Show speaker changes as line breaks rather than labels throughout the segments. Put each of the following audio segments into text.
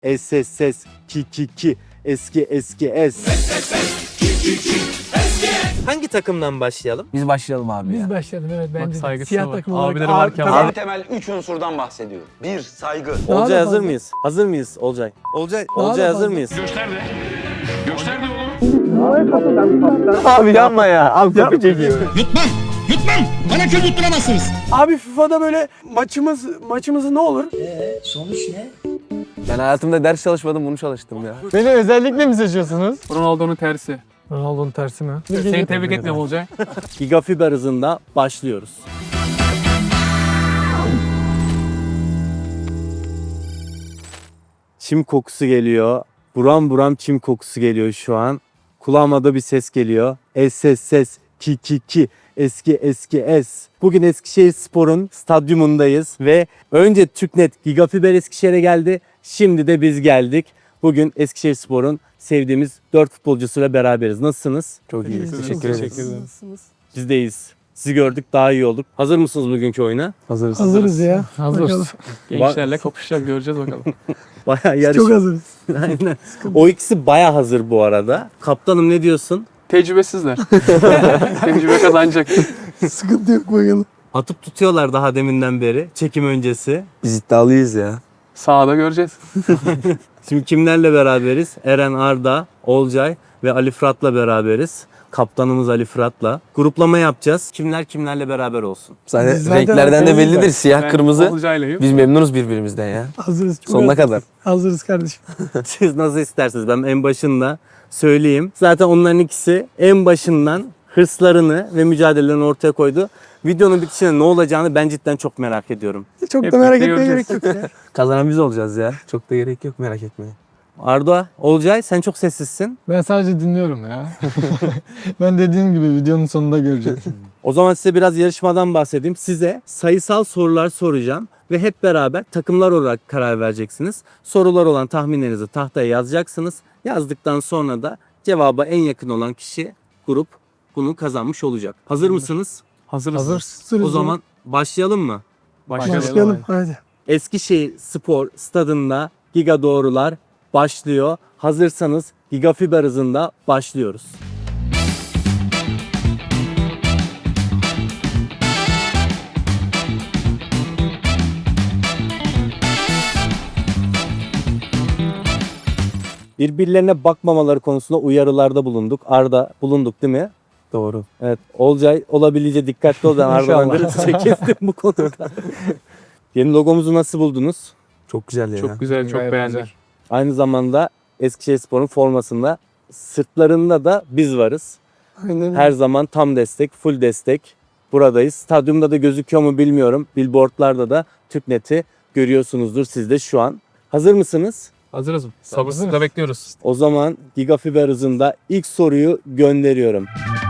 Ses ki eski es. Hangi takımdan başlayalım?
Biz başlayalım abi ya.
Biz başlayalım evet bence de.
saygısına
Siyah
bak.
takım olarak.
Abileri varken
Tabii.
En temel 3 unsurdan bahsediyorum. 1. Saygı.
Daha
Olcay
da
hazır
fazla.
mıyız? Hazır mıyız Olcay? Olcay
da
hazır
fazla.
mıyız?
Göster de oğlum.
Abi yapma ya. Abi kapı çekiyor.
Yutmam. Bana kül yutturamazsınız.
Abi FIFA'da böyle maçımızı ne olur?
Ben hayatımda ders çalışmadım, bunu çalıştım ya.
Beni özellikle mi seçiyorsunuz?
Ronaldo'nun tersi.
Ronaldo'nun tersi mi?
Seni tebrik etmiyorum Olcay.
Gigafiber hızında başlıyoruz. Çim kokusu geliyor. Buram buram çim kokusu geliyor şu an. Kulağıma da bir ses geliyor. Ses ki eski es. Bugün Eskişehirspor'un stadyumundayız ve önce Türknet Gigafiber Eskişehir'e geldi. Şimdi de biz geldik. Bugün Eskişehirspor'un sevdiğimiz 4 futbolcusuyla beraberiz. Nasılsınız?
Çok iyi. Teşekkür ederiz.
Biz de iyiyiz. Sizi gördük, daha iyi olduk. Hazır mısınız bugünkü oyuna?
Hazırız.
Hazırız ya.
Hazırız. Gençlerle kapışacak, göreceğiz bakalım.
Bayağı yarış.
Çok hazırız.
Aynen. O ikisi bayağı hazır bu arada. Kaptanım ne diyorsun?
Tecrübesizler. Tecrübe kazanacak.
Sıkıntı yok bakalım.
Atıp tutuyorlar daha deminden beri. Çekim öncesi.
Biz iddialıyız ya.
Sahada göreceğiz.
Şimdi kimlerle beraberiz? Eren, Arda, Olcay ve Ali Fırat'la beraberiz. Kaptanımız Ali Fırat'la. Gruplama yapacağız. Kimler kimlerle beraber olsun.
Zaten
Biz zaten
renklerden de bellidir. Siyah,
Ben
kırmızı.
Olcay'layım.
Biz memnunuz birbirimizden ya.
Hazırız. Çok
Sonuna
hazırız.
kadar.
Hazırız kardeşim.
Siz nasıl isterseniz, ben en başında söyleyeyim. Zaten onların ikisi en başından hırslarını ve mücadelelerini ortaya koydu. Videonun bitişinde ne olacağını ben cidden çok merak ediyorum.
Çok
Hep
da merak
birlikte
etmeye gerek
göreceğiz.
yok ya.
Kazanan biz olacağız ya. Çok da gerek yok, merak etmeyin.
Arda, Olcay sen çok sessizsin.
Ben sadece dinliyorum ya. Ben dediğim gibi videonun sonunda göreceğiz.
O zaman size biraz yarışmadan bahsedeyim. Size sayısal sorular soracağım ve hep beraber takımlar olarak karar vereceksiniz. Sorular olan tahminlerinizi tahtaya yazacaksınız. Yazdıktan sonra da cevaba en yakın olan kişi, grup bunu kazanmış olacak. Hazır mısınız?
Hazırız.
Hazırız.
O zaman başlayalım mı?
başlayalım. Hadi.
Eskişehir Spor Stadında Giga Doğrular başlıyor. Hazırsanız Gigafiber hızında başlıyoruz. Birbirlerine bakmamaları konusunda uyarılarda bulunduk. Arda bulunduk değil mi?
Doğru.
Evet. Olcay olabildiğince dikkatli ol. Ben Arda'dan
İnşallah.
biraz çekildim bu konuda. Yeni logomuzu nasıl buldunuz?
Çok güzel ya.
Çok güzel, çok
Gayet
beğendik.
güzel.
Aynı zamanda Eskişehirspor'un formasında sırtlarında da biz varız.
Aynen.
Her zaman tam destek, full destek buradayız. Stadyumda da gözüküyor mu bilmiyorum. Billboardlarda da Türknet'i görüyorsunuzdur siz de şu an. Hazır mısınız?
Hazırız mı? Sabırsızlıkla bekliyoruz.
O zaman Gigafiber hızında ilk soruyu gönderiyorum.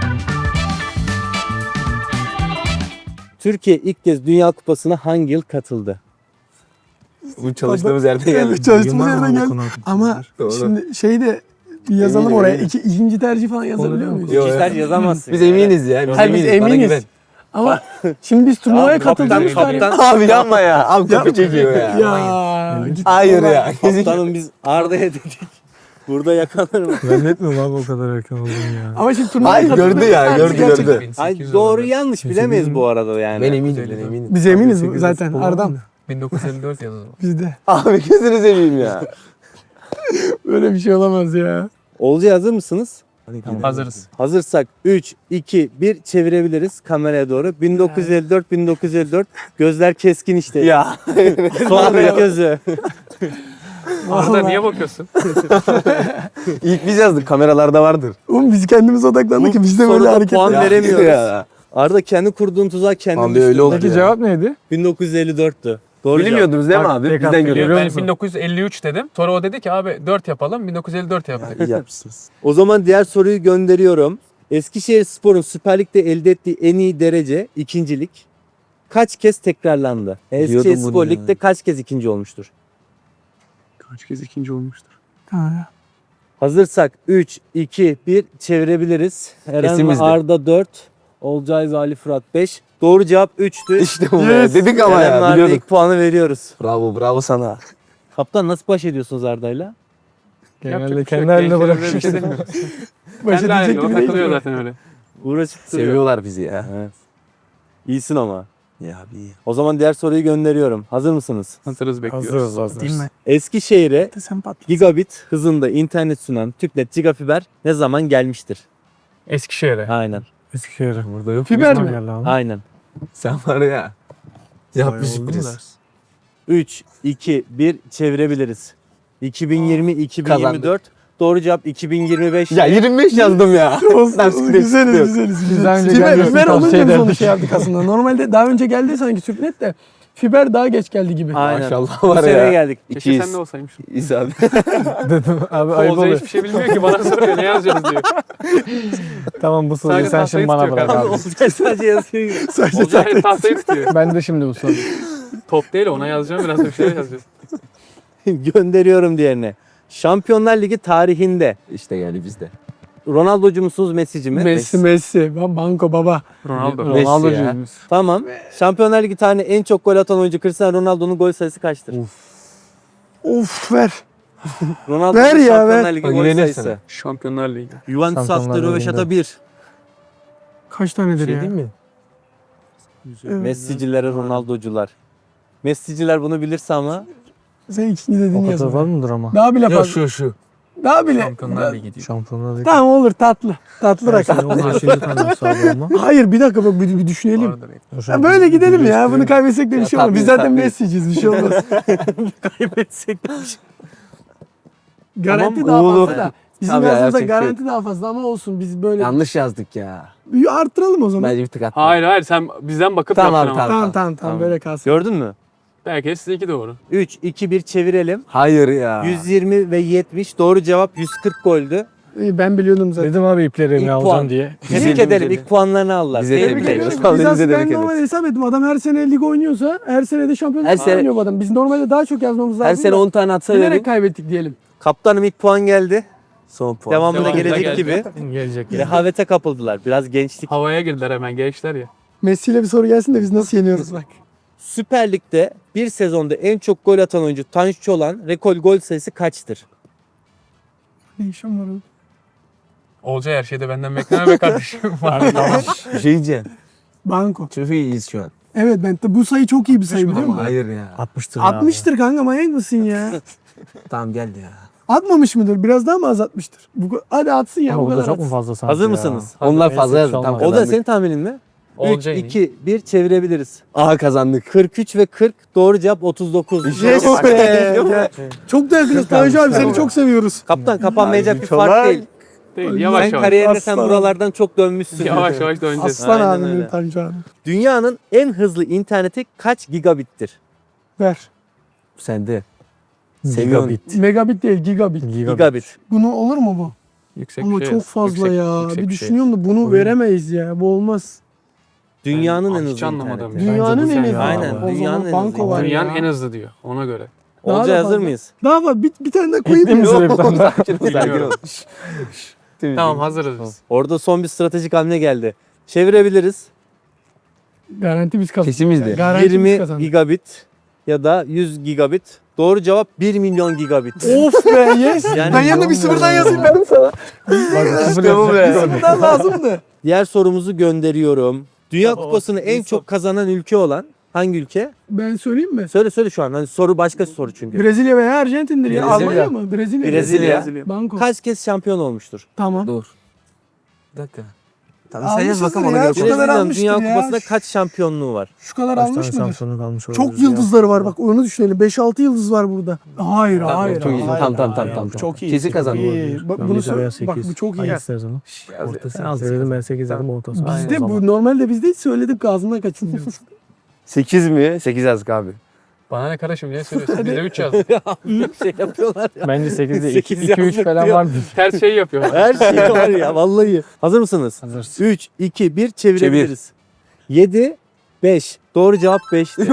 Türkiye ilk kez Dünya Kupası'na hangi yıl katıldı?
Bu çalıştığımız yerde geldi.
Evet, çalıştığımız yerden geldi. Ama
Doğru.
şimdi şeyi de yazalım
Eminim,
oraya.
eminim.
İkinci tercih falan yazabiliyor muyuz?
Yok.
Kişiler yazamazsın.
Biz eminiz ya. Biz
Hayır, biz
eminiz. Bana
eminiz.
güven.
Ama şimdi biz turnuvaya katıldığımız
kaptan,
Abi yapma ya. Abi kapı çekiyor ya.
Ya. git
Hayır
vallahi.
ya.
Kaptanım biz Arda'ya dedik. Burada yakalanır mı?
Zannetmiyorum abi o kadar erken olduğunu ya.
Ama şimdi turnuvaya
Ay
katıldığımız
gördü ya.
tercih
Gördü
gerçekten-
gördü.
Ay doğru yanlış bilemeyiz bu arada yani.
Ben eminim. Ben eminim.
Biz eminiz zaten Ardam.
1954 yazıldı.
Bizde.
Abi gözünü seveyim ya.
Böyle bir şey olamaz ya.
Olcay hazır mısınız?
Hazırız.
Hazırsak 3, 2, 1 çevirebiliriz kameraya doğru. 1954 gözler keskin işte.
Ya.
Sonra gözü.
Arda
Vallahi.
niye bakıyorsun?
İlk biz yazdık. Kameralarda vardır.
Oğlum biz kendimiz odaklandık ki biz de böyle
Soruda
hareket
puan
ya.
veremiyoruz.
Ya.
Arda kendi kurduğun tuzağa kendin
Abi
düştün.
öyle oldu
Peki
ya.
cevap neydi?
1954'tü. Doğru cevap.
Bilmiyordunuz değil mi
Bak,
abi?
tek
Bizden
hak
görüyoruz.
Ben
musun?
1953 dedim. Sonra o dedi ki abi 4 yapalım. 1954 yaptık.
İyi yapmışsınız.
O zaman diğer soruyu gönderiyorum. Eskişehirspor'un Süper Lig'de elde ettiği en iyi derece ikincilik kaç kez tekrarlandı? Eskişehirspor
bunu ya.
Lig'de kaç kez ikinci olmuştur?
Kaç kez ikinci olmuştur?
Ha.
Hazırsak 3, 2, 1 çevirebiliriz. Eren ve
Kesimizde.
Arda 4, Olcay ve Ali Fırat 5. Doğru cevap 3'tü.
İşte bu be. Dedik ama
Eren ve
ya.
Arda'ya
Biliyorduk.
ilk puanı veriyoruz.
Bravo. Bravo sana.
Kaptan nasıl baş ediyorsunuz Arda'yla?
Yapacak
Genelde
bir şey yok.
kendi haline
Gençlerimize bir
bırakmış.
şey demiyoruz.
Baş
Kendi halinde
edecek
o
gibi değil.
takılıyor zaten öyle.
Uğraşıp duruyor.
Seviyorlar bizi ya.
Evet. İyisin ama.
Ya abi iyi.
O zaman diğer soruyu gönderiyorum. Hazır mısınız?
Hazırız bekliyoruz.
Hazırız.
Değil mi?
Eskişehir'e
Sen patlat.
gigabit hızında internet sunan TürkNet Gigafiber ne zaman gelmiştir?
Eskişehir'e.
Aynen.
Eskişehir'e.
Burada yok.
Fiber
Tamam
mi?
geldi abi.
Aynen.
Sen var ya. Yap bir
Bayağı oldu
sürpriz.
da.
3, 2, 1 çevirebiliriz. 2020, 2024. Doğru cevap 2025.
Ya 25 yazdım ya.
Güzeliz. Biz daha önce
Fiber,
gelmesini
fiber
tavsiye
olunca biz onu
ederdik.
şey yaptık aslında. Normalde daha önce geldi sanki Türknet de fiber daha geç geldi gibi.
Aynen.
Maşallah
Bu
var
seneye
ya.
geldik.
Keşke
200.
sen de olsaymışsın.
İyiyiz abi.
Dedim abi ayıp
Olcay
oluyor.
hiçbir şey bilmiyor ki bana soruyor ne yazacağız diyor.
Tamam bu soruyu
Sadece
sen
tahtayı
şimdi bana
tutuyor
bırak
kanka.
abi.
Olcay sadece yazıyor.
Olcay tahtayı tutuyor.
Ben de şimdi bu soruyu.
Top değil ona yazacağım biraz da bir şeyler yazacağız.
Gönderiyorum diğerine. Şampiyonlar Ligi tarihinde
İşte geldi bizde.
Ronaldo'cu musunuz, Messi'ci mi?
Messi. Banko baba.
Ronaldo.
Messi ya.
Ronaldo'cuyuz.
Tamam. Şampiyonlar Ligi tarihinde en çok gol atan oyuncu Cristiano Ronaldo'nun gol sayısı kaçtır?
Of ver.
Ronaldo'nun
Ver ya,
Şampiyonlar
ver.
Ligi
Bak,
gol
güvenirsin.
sayısı.
Şampiyonlar Ligi.
Juventus
Şampiyonlar
attı Röveşata
Ligi'nde.
1.
Kaç tanedir
Şey
ya?
değil mi?
Evet.
Messi'cilere Ronaldo'cular. Messi'ciler bunu bilirse ama
Sen ikinci dediğini
O kadar
yazın.
var mıdır ama?
Daha bile
Yok
fazla.
şu.
Daha bile.
Şampiyonlar Ligi diyor.
Şampiyonlar Ligi.
Tamam olur tatlı. Tatlı rakam.
Sen onun beşinci tanesi abi ama.
Hayır bir dakika bak bir düşünelim.
Vardır.
Ya böyle gidelim ya. Bunu kaybetsek de bir şey olmaz. Biz zaten
tabii.
Messi'ciyiz bir şey olmaz.
kaybetsek de
Garanti
Tamam,
daha
oğlum.
fazla da. Bizim
Tabii ya,
yazdığımızda
yapacak bir şey
garanti daha fazla ama olsun biz böyle
Yanlış yazdık ya.
bir arttıralım o zaman.
Bence bir tık attım.
Hayır sen bizden bakıp
Tamam,
yaptın ama.
tamam.
Tamam böyle kalsın.
gördün mü?
Belki de sizinki doğru.
3, 2, 1 çevirelim.
Hayır ya.
120 ve 70. Doğru cevap 140 goldü.
Ben biliyordum zaten.
Dedim abi iplerimi
İlk
alacağım
puan.
diye.
Tebrik
Güzel,
ederim.
güzel.
İlk puanlarını aldılar.
Bize
Tebrik
tebrik
ederim.
ediyoruz.
Biz
Vallahi
aslında
bize de
ben
tebrik
normal
ederiz.
hesap ettim. Adam her sene lig oynuyorsa her sene de şampiyonluk
Her sene-
oynuyor bu adam. Biz normalde daha çok yazmamız lazım.
Her sene
da
10 tane atsa
bilerek
verin.
kaybettik diyelim.
Kaptanım ilk puan geldi.
Son puan.
Devamında
Devamında
gelecek
geldi.
gibi.
Gelecek.
Rehavete kapıldılar. Biraz gençlik.
Havaya girdiler hemen gençler ya.
Messi ile bir soru gelsin de biz nasıl yeniyoruz bak.
Süper Lig'de bir sezonda en çok gol atan oyuncu Tanju Çolak'ın rekor gol sayısı kaçtır?
Ne işim var oğlum?
Olcay her şeyde benden bekleme be kardeşim.
Bir şey diyeceğim.
Banko.
Çok iyiyiz şu an.
Evet ben de bu sayı çok iyi bir sayı biliyor musun?
Hayır ya.
60'tır ya.
60'tır kanka manyak mısın ya?
Tamam geldi ya.
Atmamış mıdır? Biraz daha mı az atmıştır? Hadi atsın ya.
Ama
bu
bu da
kadar
çok mu
atsın.
fazla sanki
Hazır
ya?
mısınız?
Onlar
Neyse,
fazla
bir
yazdı.
şey
Tam
olmaz.
O da
kazandık.
senin tahminin mi? 3,
Olcay'ın
2, 1 çevirebiliriz.
Aha kazandık.
43 ve 40 doğru cevap 39.
Yes be. Ya, çok da yakınız. Tanju abi seni çok seviyoruz.
Kaptan kapanmayacak bir
Çolak.
fark değil.
Değil, yavaş
Sen
yavaş.
kariyerinde sen
Aslan.
buralardan çok dönmüşsün.
Yavaş yavaş döneceğiz.
Aslan
Aynen
abim
öyle.
benim Tanju abi.
Dünyanın en hızlı interneti kaç gigabittir?
Ver.
Sende. Seviyorsun.
Gigabit.
Megabit değil gigabit.
Gigabit.
Bunu olur mu bu?
Yüksek
Ama
bir şey
çok
yaz.
fazla
Yüksek-
ya.
yüksek
Bir
bir şey.
düşünüyorum da bunu veremeyiz ya. Bu olmaz.
Dünyanın en
hiç
hızlı
anlamadım.
interneti.
Dünyanın
bu
en
sen
hızlı.
ya.
Aynen,
O
dünyanın
zaman
en
banko
hızlı.
var
Dünyanın
ya.
en hızlı diyor ona göre.
Daha
Olcay
da
hazır
fazla.
mıyız?
Daha var. Bir tane daha koyayım mı?
Şöyle bir tane daha.
Bilmiyorum. Tamam hazırız biz.
Orada son bir stratejik hamle geldi. Çevirebiliriz.
Garanti biz kazandık.
Kesin bizde.
Garanti biz
20
kazandık.
gigabit ya da 100 gigabit. Doğru cevap 1 milyon gigabit.
Of be yes.
Yani-
ben yanına bir sıfırdan yazayım dedim sana.
İşte bu be.
Sıfırdan lazımdı.
Diğer sorumuzu gönderiyorum. Dünya Kupası'nı en çok kazanan ülke olan hangi ülke?
Ben söyleyeyim mi?
Söyle şu an. Hani soru başka soru çünkü.
Brezilya veya Arjantin'dir ya.
Brezilya.
Almanya mı? Brezilya.
Brezilya.
Banko.
Kaç kez şampiyon olmuştur?
Tamam.
Dur. Bir dakika. Tamam sen yaz bakalım
Almışızdır
ona
ya,
göre
şu kadar
konuşalım.
Brezilya'nın
almıştır
Dünya
ya.
Kupası'nda kaç şampiyonluğu var?
Şu kadar
Kaç
almış
tane
mıdır?
Samsun'u kalmış
Çok
olabilir ya.
yıldızları var bak onu düşünelim. 5-6 yıldız var burada. Hayır
Tamam,
hayır.
çok iyi.
hayır.
Tamam.
Çok iyi.
Kesin
Çok
kazandı.
iyi. Bak bunu
Yedi veya
söyle. Bak bu
8.
çok iyi.
Hangisi yazalım? Sen az dedim ben 8 dedim ortası.
Bizde bu normalde bizde hiç söyledik ağzımdan kaçınıyoruz.
8 mi? 8 yazdık abi.
Bana ne kardeşim niye söylüyorsun? Bize 3 yazdı.
şey yapıyorlar ya.
Bence 8 değil.
8
2-3
yazdık
falan
diyor.
vardır.
Ters şey yapıyor.
Her şey var ya vallahi. Hazır mısınız?
Hazır.
3, 2, 1 çevirebiliriz. 7, 5. Doğru cevap 5'ti.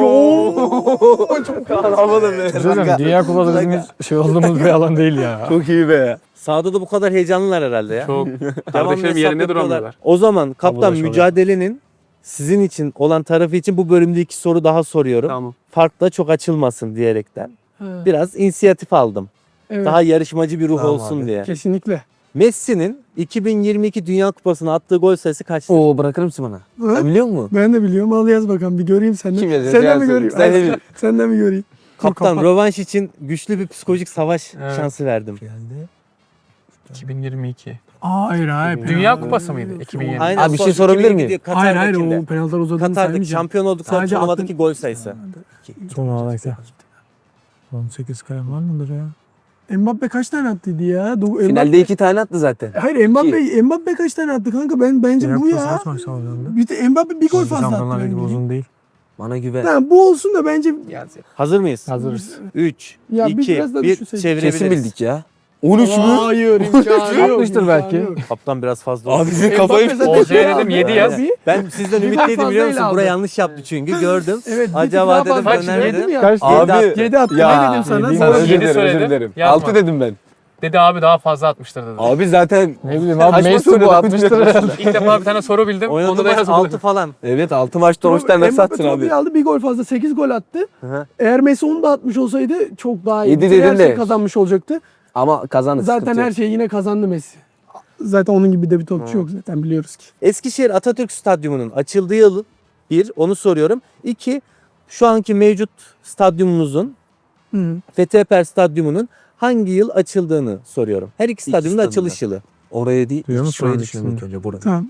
Çok havalı be.
Üzülüm. Dünya Kupası bizim hiç şey olduğumuz bir alan değil ya.
Çok iyi be.
Sahada da bu kadar heyecanlılar herhalde ya.
Çok.
Devamlı
Kardeşlerim
hesap
yerinde
yapıyorlar.
duramıyorlar.
O zaman kaptan
Tabulaş oluyor.
mücadelenin sizin için olan tarafı için bu bölümde 2 soru daha soruyorum.
Tamam.
Fark da çok açılmasın diyerekten.
Ha,
Biraz inisiyatif aldım.
evet,
Daha yarışmacı bir ruh
Tamam
olsun
abi.
diye.
kesinlikle.
Messi'nin 2022 Dünya Kupası'na attığı gol sayısı kaçtı?
Oo bırakır mısın bana?
Ha?
Sen biliyor musun?
Ben de biliyorum. Al yaz bakalım bir göreyim senden.
Kim yazıyor?
Senden mi
Yazsın.
göreyim?
Sen de bil.
Senden mi göreyim?
Kaptan rövanş için güçlü bir psikolojik savaş
Evet.
şansı verdim.
Geldi.
2022.
Hayır hayır.
Dünya Kupası mıydı? 2020.
Aynen,
Abi bir şey
son
sorabilir
2022
miyim?
Hayır hayır
Katar'dakinde.
o penaltılar uzadığını
Katar'daki
saymayacağım.
şampiyon oldukları
Sadece
turnuvadaki
attın-
gol sayısı.
Son olarak da. 18 kalem var mıdır ya?
Mbappe kaç tane attıydı ya?
Finalde 2 tane attı zaten.
Hayır Mbappe kaç tane attı kanka? Bence
Dünya
bu
Kupası
ya.
kaç maç aldı?
Bir de Mbappe bir gol fazla attı.
Şampiyonlar Ligi
bence.
uzun değil.
Bana güven.
Tamam bu olsun da bence
Hazır mıyız?
Hazırız.
3,
Ya biz
2,
biraz da
1
düşünseydik.
çevirebiliriz.
Kesin bildik ya. 13 mü?
Hayır imkanı yok.
Atmıştır
imkanı
belki.
yok.
Kaptan biraz fazla oldu.
Abi sizin kafayı...
Mbappe zaten
Olcay'a
şey
dedim,
aldı.
7 yaz.
Abi,
Ben sizden
Bir
ümitliydim
gol
biliyor musun?
fazlayla
Buraya
aldı.
yanlış yaptı çünkü gördüm.
Evet, bir tık
Acaba
daha
dedim
fazla
döner
dedim
mi?
ya.
Kaç?
Abi
7 attı.
ya.
Ne dedim sana?
Sana
Doğru.
özür
Yedi
dilerim,
söyledim.
özür dilerim.
Yazma.
6 dedim ben.
Dedi abi daha fazla atmıştır dedi.
Abi zaten
Ne bileyim abi
Kaç maç
Messi
oynadı?
bu atmıştır herhalde.
İlk defa bir tane soru bildim. Onu
Oynadı
da
maç
yazmadım.
6 falan.
evet 6 maçta 13 tane nasıl
Mbappe
attın
trofiyi
abi?
aldı bir gol fazla 8 gol attı.
Hı.
Eğer Messi onu da atmış olsaydı çok daha iyi.
Yedi
Her
dedin
şeyi
de.
kazanmış olacaktı.
Ama kazandı.
Zaten
sıkıntı
her
yok.
şeyi yine kazandı Messi. Zaten onun gibi de bir topçu yok zaten biliyoruz ki.
Eskişehir Atatürk Stadyumu'nun açıldığı yıl 1, onu soruyorum. 2, şu anki mevcut stadyumumuzun
Hı.
Fethi Stadyumu'nun hangi yıl açıldığını soruyorum. Her iki stadyumun da
stadyumda.
açılış yılı.
Oraya değil,
Duyuyor musun
şurayı
abi
düşündüm ilk
ikisini?
önce buraya.
Tamam.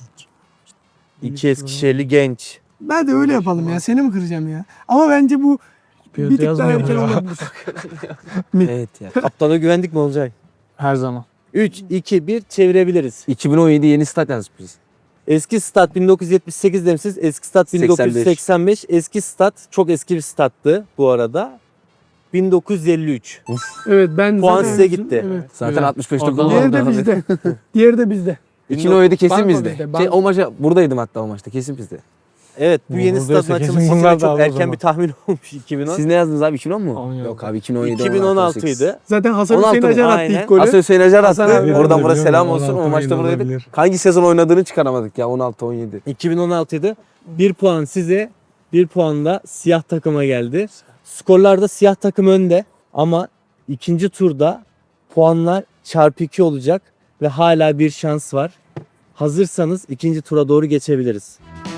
2 Eskişehirli genç.
Ben de öyle yapalım ya. Seni mi kıracağım ya? Ama bence bu bir
Bir
tık daha
yazmıyor
erken
mu ya?
olabilir.
Evet ya.
Kaptana güvendik mi Olcay?
Her zaman.
3, 2, 1 çevirebiliriz.
2017 yeni stat yazmış biz.
Eski stat 1978 demişsiniz. Eski stat 1985. Eski stat çok eski bir stattı bu arada. 1953.
Evet ben
Puan
zaten-
size gitti.
Evet.
Zaten
Güzel.
65'te
Oradan
gol
Diğeri
oldu
de
abi.
bizde. Diğeri de bizde.
2017 kesin
Banko
bizde.
bizde, banko.
O maça buradaydım hatta o maçta kesin bizde.
Evet bu yeni
Buradaysa
stadın
kesin
açılışı
bunlar
için
da
çok
aldı o
erken
zaman.
bir tahmin olmuş 2010.
Siz ne yazdınız abi 2010 mu?
10
Yok abi 2017
2016
18.
idi.
Zaten Hasan
16
Hüseyin
mı?
Acar attı
Aynen.
ilk golü.
Hasan Hüseyin Acar
Hasan
attı.
abi
Oradan
abi.
buraya selam
Biliyorum,
olsun. O
16
maçta
oynadı
buradaydık.
olabilir.
Hangi sezon oynadığını çıkaramadık ya 16-17.
2016 idi. 1 puan size, 1 puan da siyah takıma geldi. Skorlarda siyah takım önde ama ikinci turda puanlar çarpı 2 olacak ve hala bir şans var. Hazırsanız ikinci tura doğru geçebiliriz.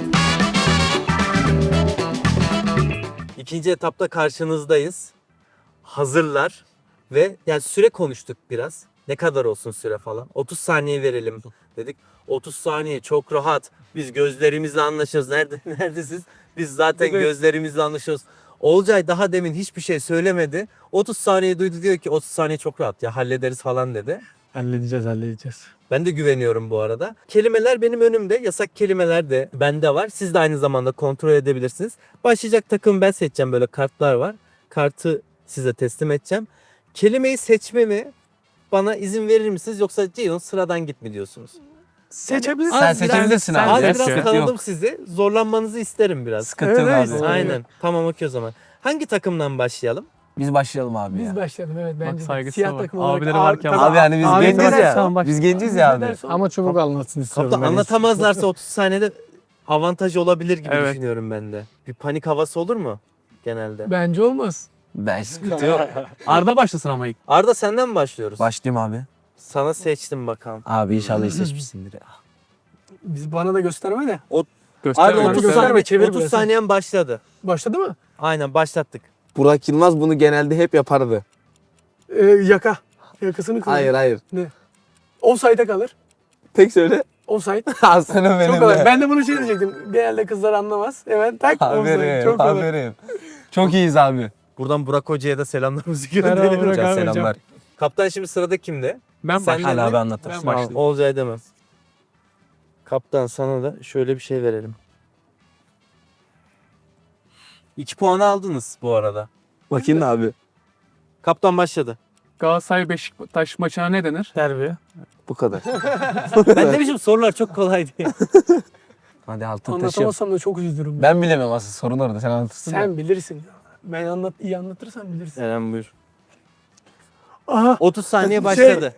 İkinci etapta karşınızdayız. Hazırlar ve yani süre konuştuk biraz. Ne kadar olsun süre falan. 30 saniye verelim dedik. 30 saniye çok rahat. Biz gözlerimizle anlaşıyoruz. Neredesiniz? Biz zaten gözlerimizle anlaşıyoruz. Olcay daha demin hiçbir şey söylemedi. 30 saniye duydu diyor ki 30 saniye çok rahat ya hallederiz falan dedi.
Halledeceğiz.
Ben de güveniyorum bu arada. Kelimeler benim önümde. Yasak kelimeler de bende var. Siz de aynı zamanda kontrol edebilirsiniz. Başlayacak takım ben seçeceğim. Böyle kartlar var. Kartı size teslim edeceğim. Kelimeyi seçmemi bana izin verir misiniz? Yoksa Ceyhun sıradan git mi diyorsunuz?
Seçebilirsin.
Sen seçebilirsin abi.
Az
Yok,
biraz
yok.
tanıdım sizi. Zorlanmanızı isterim biraz.
Sıkıntı yok
Evet,
abi.
evet.
Aynen. Tamam okey o zaman. Hangi takımdan başlayalım?
Biz başlayalım abi
Biz
ya.
başlayalım evet bence. de.
saygısına
Siyah
bak.
takım olarak.
Abileri varken-
tabii,
Abi hani biz
abi
genciz
ne dersen
ya.
bak.
Biz genciz
Biz
ya
ne
abi.
dersen-
Ama çabuk anlatsın istiyorum.
Kaptan
ben.
anlatamazlarsa 30 saniyede avantaj olabilir gibi
Evet.
düşünüyorum ben de. Bir panik havası olur mu genelde?
Bence olmaz.
Ben sıkıntı yok.
Arda başlasın ama ilk.
Arda senden mi başlıyoruz?
Başlayayım abi.
Sana seçtim bakalım.
Abi inşallah iyi seçmişsindir ya.
Biz bana da gösterme de.
Arda
Gösterme.
30
gösterme,
saniye,
çevir
30
burası.
saniyen başladı.
Başladı mı?
Aynen başlattık.
Burak Yılmaz bunu genelde hep yapardı.
Yaka. Yakasını kırıyor.
Hayır hayır.
Offside'e kalır.
Tek söyle.
Offside.
Aslanım benim
Çok kolay.
de.
Ben de bunu şey diyecektim. Genelde kızlar anlamaz. Hemen tak offside.
Aferin,
Çok kolay.
aferin. Çok iyiyiz abi.
Buradan Burak Hoca'ya da selamlarımızı
Merhaba
gönderelim.
Burak
Hocam
abi.
selamlar.
Kaptan şimdi sırada kimde?
Ben
Sen
başlayayım.
Hala
mi?
abi anlatır.
Ben başlayayım.
Olcay demez. Kaptan sana da şöyle bir şey verelim. 2 puanı aldınız bu arada.
Bakayım da abi.
Kaptan başladı.
Galatasaray Beşiktaş maçına ne denir?
Derbi.
Bu kadar.
Ben demişim sorular çok kolay diye.
Hadi altın taşıyalım.
Anlatamazsam da çok üzülürüm.
Ben bilemem asıl sorun orada. Sen anlatırsın.
Sen bilirsin. Ben iyi anlatırsan bilirsin.
Eren buyur.
Aha.
30 saniye
Şey-
başladı.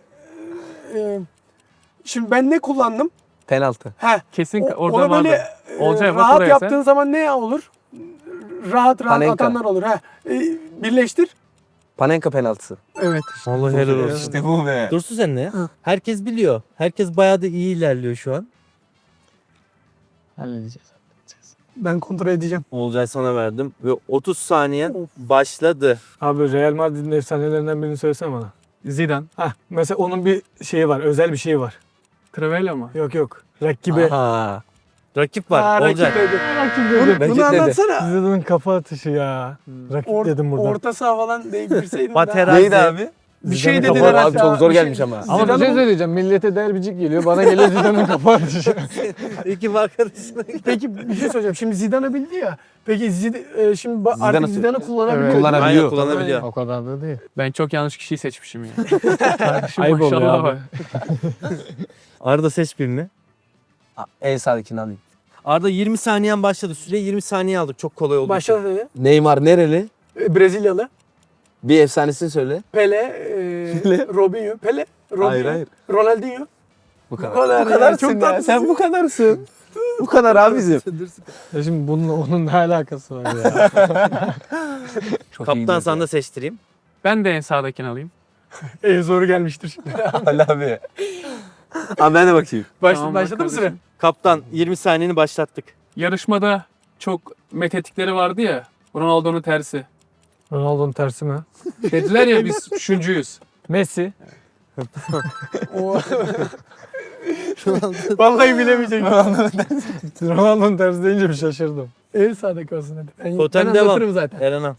Şimdi ben ne kullandım?
Penaltı.
He.
Kesin
O-
orada
ona böyle
vardı. Olcay bak
rahat
oraya
yaptığın
sen.
zaman ne olur? Rahat
Panenka.
atanlar olur. Birleştir.
Panenka penaltısı.
Evet.
Vallahi helal olsun.
İşte bu be.
Dursun sen ne? Herkes biliyor. Herkes bayağı da iyi ilerliyor şu an.
Halledeceğiz.
Ben kontrol edeceğim.
Olcay sana verdim ve 30 saniye başladı.
Abi Real Madrid'in efsanelerinden birini söylesene bana.
Zidane.
Hah mesela onun bir şeyi var. Özel bir şeyi var.
Crivella mı?
Yok. Rakibi.
Aha.
Rakip var.
Ha,
Olcay.
rakip dedi.
Rakip
Bunu,
dedim.
Rakip
bunu
dedi.
anlatsana.
Zidane'ın kafa atışı ya. Rakip dedim buradan.
Orta saha falan deyip girseydin.
Baterazi.
Neydi abi?
Bir şey
Zidane'ın
dediler
kafa-
Abi
hatta.
çok zor
Bir şey-
gelmiş ama.
Ama bir şey
Zidane'ın-
söyleyeceğim. Millete derbicik geliyor. Bana geliyor Zidane'ın kafa atışı.
Ekip arkadaşına.
Peki bir şey söyleyeceğim. Şimdi Zidane'ı bildi ya. Peki şimdi artık
Zidane'ı-
Zidane'ı kullanabiliyor.
Evet.
Kullanabiliyor.
Aynen kullanabiliyor.
O kadar da değil.
Ben çok yanlış kişiyi seçmişim ya. Kardeşim
Ayıp oluyor
maşallah
abi.
var.
Arda seç birini.
En sağdakini alayım.
Arda 20 saniyen başladı. Süreyi 20 saniye aldık. Çok kolay oldu.
Başladı dedi.
Neymar nereli?
Brezilyalı.
Bir efsanesini söyle.
Pele, Robinho. Pele, Robinho.
Hayır, hayır.
Ronaldinho.
Bu kadar.
Bu kadar
Bu
ya,
kadarsın
çok
ya.
tatlısın.
Sen bu kadarsın. Bu kadar abi bizim.
Ya şimdi bununla onun ne alakası var ya?
Kaptan sana da seçtireyim.
Ben de en sağdakini alayım.
En zoru gelmiştir şimdi.
Ali abi. Abi ben de bakayım.
Tamam,
Başladı mı
bak
süre?
Kaptan 20 saniyeni başlattık.
Yarışmada çok methettikleri vardı ya. Ronaldo'nun tersi.
Ronaldo'nun tersi mi?
Dediler ya biz üçüncüyüz.
Messi.
Vallahi bilemeyecektim.
Ronaldo'nun tersi deyince bir şaşırdım.
En sağdaki olsun hadi. Ben
Totem
anlatırım
devam.
zaten.
Eren al.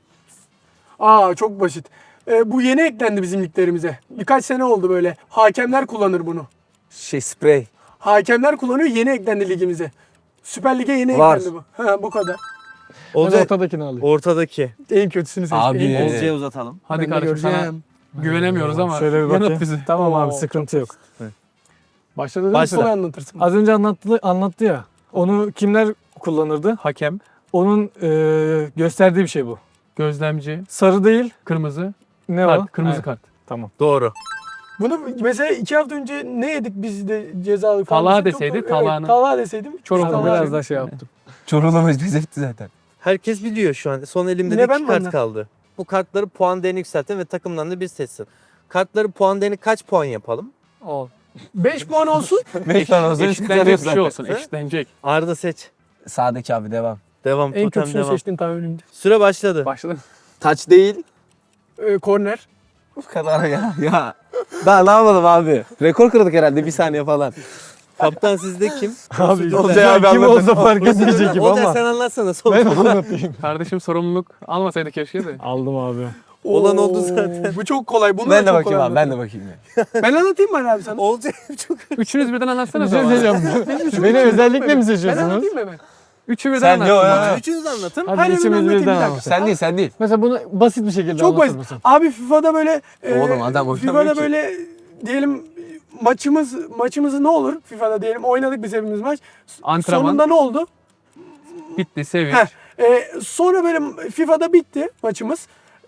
Çok basit. Bu yeni eklendi bizim liglerimize. Birkaç sene oldu böyle. Hakemler kullanır bunu.
Sprey.
Hakemler kullanıyor, yeni eklendi ligimize. Süper Lig'e yeni
Var.
eklendi bu. Ha, bu kadar.
Ben
Olcay
ortadakini alayım.
ortadaki.
En kötüsünü seçtim.
Abi.
En kötüsünü.
Olcay'a uzatalım.
Hadi
Ben de
kardeşim sana
göreceğim.
güvenemiyoruz ama
Şöyle bir bakayım.
yanıt bizi.
Tamam abi
Oo,
sıkıntı yok.
Başladı değil mi?
Başla.
Sonra anlatırsın.
Az önce anlattı ya. Onu kimler kullanırdı?
Hakem,
Onun gösterdiği bir şey bu.
gözlemci,
Sarı değil.
kırmızı,
Ne o?
kart, kırmızı
Evet,
kart.
Tamam.
Doğru.
Bunu mesela 2 hafta önce ne yedik biz de cezalı falan.
Talha
Çok-
deseydi,
evet,
Talha'nın-
Talha deseydim.
Çorum'da
Tamam,
Talha
biraz daha şey yaptım.
Çorum'da etti zaten.
Herkes biliyor şu an. Son elimde
Yine
de
ben
2
mi
kart
anladım?
kaldı. Bu kartları puan değerini yükseltin ve takımdan da bir seçsin. Kartları puan değerini kaç puan yapalım?
5 puan olsun.
5 tane olsun.
Eşitlenecek bir şey olsun, eşitlenecek.
Arda seç.
Sağdaki abi devam.
Devam.
En
Totem
kötüsünü
devam.
seçtim tahminimde.
Süre başladı.
Başladı.
Taç değil.
Korner.
Bu kadar ya. Ya. Daha ne yapalım abi? Rekor kırdık herhalde bir saniye falan.
Kaptan sizde kim?
Abi
Olcay abi
kim
anlatın.
olsa fark etmeyecek gibi
Olcay
ama.
sen anlatsana. Son
Ben anlatayım.
Kardeşim sorumluluk almasaydı keşke de.
Aldım abi.
Olan
Oo,
oldu zaten.
Bu çok kolay. Bunu
Ben
da
de
çok
bakayım
kolay
abi. Ben de bakayım ya.
Ben anlatayım mı Ali abi sana?
Olcay çok...
Üçünüz birden anlatsana.
Bir şey
bana.
söyleyeceğim. Beni özellikle mi
Ben
seçiyorsunuz?
anlatayım mı hemen?
Üçü birden
Sen yok
anlatsın.
ya.
Üçünüz anlatın.
Hadi
Hayır,
ikimiz
anlatayım, bir
birden
dakika.
anlatalım.
Sen değil.
Mesela bunu basit bir şekilde
Çok
anlatır
basit.
mısın?
Abi FIFA'da böyle
Oğlum adam oynamıyor
FIFA'da
ki.
böyle diyelim maçımızı ne olur? FIFA'da diyelim oynadık biz hepimiz maç.
Antrenman
Sonunda ne oldu?
bitti, sevinç.
Heh. Sonra böyle FIFA'da bitti maçımız.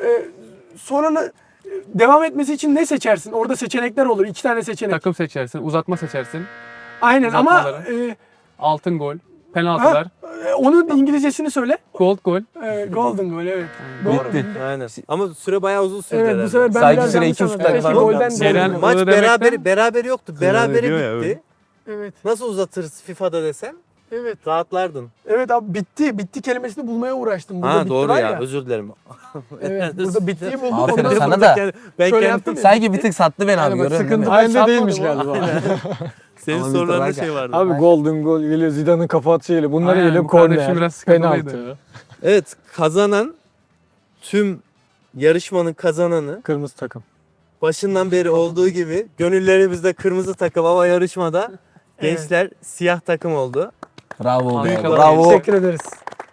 Sonra devam etmesi için ne seçersin? Orada seçenekler olur. 2 tane seçenek.
Takım seçersin, uzatma seçersin,
Aynen ama
uzatmaları. altın gol, penaltılar,
onun İngilizcesini söyle.
gold gol.
Golden goal evet.
Bitti.
Aynen. Ama süre bayağı uzun sürdü
Evet
herhalde.
bu sefer ben
Sanki
biraz
süre
yanlış
2,5
anladım.
dakika
Keşke
falan.
golden
Ceren-
golden.
Maç
Öyle demekten-
beraber yoktu. Berabere
diyor ya,
bitti.
Evet.
Nasıl uzatırız FIFA'da desem?
Evet.
Rahatlardın.
Evet abi bitti. Bitti kelimesini bulmaya uğraştım. Burada
Ha
bitti
doğru
var
ya. Özür dilerim.
Evet. Burada bittiği bulduk.
Aferin
Ondan
sana
sonra
da.
Ben
Şöyle
kendim
yaptım.
Sanki bir tık sattı beni abi.
Yani bak,
Görüyorsun değil
sıkıntı
mi?
halinde
Satmadı
değilmiş
bu.
galiba.
senin
Ama
sorularında
Mr.
şey vardı.
Abi golden gol geliyor. Zidane'ın kafa atışıyla. Bunları
Aynen,
geliyor
bu kardeşim
korner.
biraz sıkıntılıydı.
Penaltı.
Evet, kazanan tüm yarışmanın kazananı
Kırmızı takım.
başından beri olduğu gibi gönüllerimizde kırmızı takım ama yarışmada gençler siyah takım oldu.
Bravo be.
Büyük
Bravo.
Teşekkür ederiz.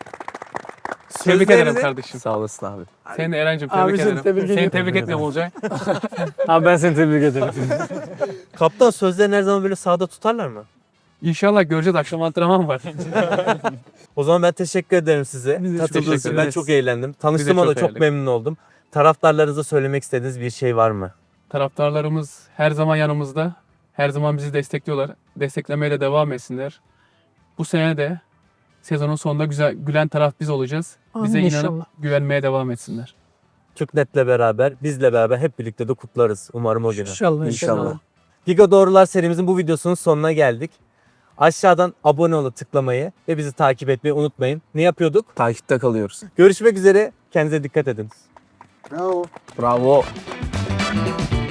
Tebrik
Sözlerini-
ederim kardeşim.
Sağ olasın abi.
Seni de Eren'cim tebrik
Abicim,
ederim.
tebrik
Seni
ediyorum.
tebrik etmiyorum Olcay.
Abi ben seni tebrik ederim.
Kaptan sözlerini her zaman böyle sağda tutarlar mı?
İnşallah göreceğiz, akşam antrenman var.
O zaman ben teşekkür ederim size.
Biz de çok
Katıldığınız
teşekkür
için ben
ederiz.
çok eğlendim. Tanıştığıma da
çok
çok
eğlendik.
memnun oldum. Taraftarlarınıza söylemek istediğiniz bir şey var mı?
Taraftarlarımız her zaman yanımızda. Her zaman bizi destekliyorlar. Desteklemeye de devam etsinler. Bu sene de sezonun sonunda güzel gülen taraf biz olacağız. Bize
Amin
inanıp
inşallah.
güvenmeye devam etsinler.
Türknet'le beraber, bizle beraber hep birlikte de kutlarız umarım o günü.
İnşallah.
İnşallah.
Giga Doğrular serimizin bu videosunun sonuna geldik. Aşağıdan abone olup tıklamayı ve bizi takip etmeyi unutmayın. Ne yapıyorduk?
Takipte kalıyoruz.
Görüşmek üzere. Kendinize dikkat edin.
Bravo.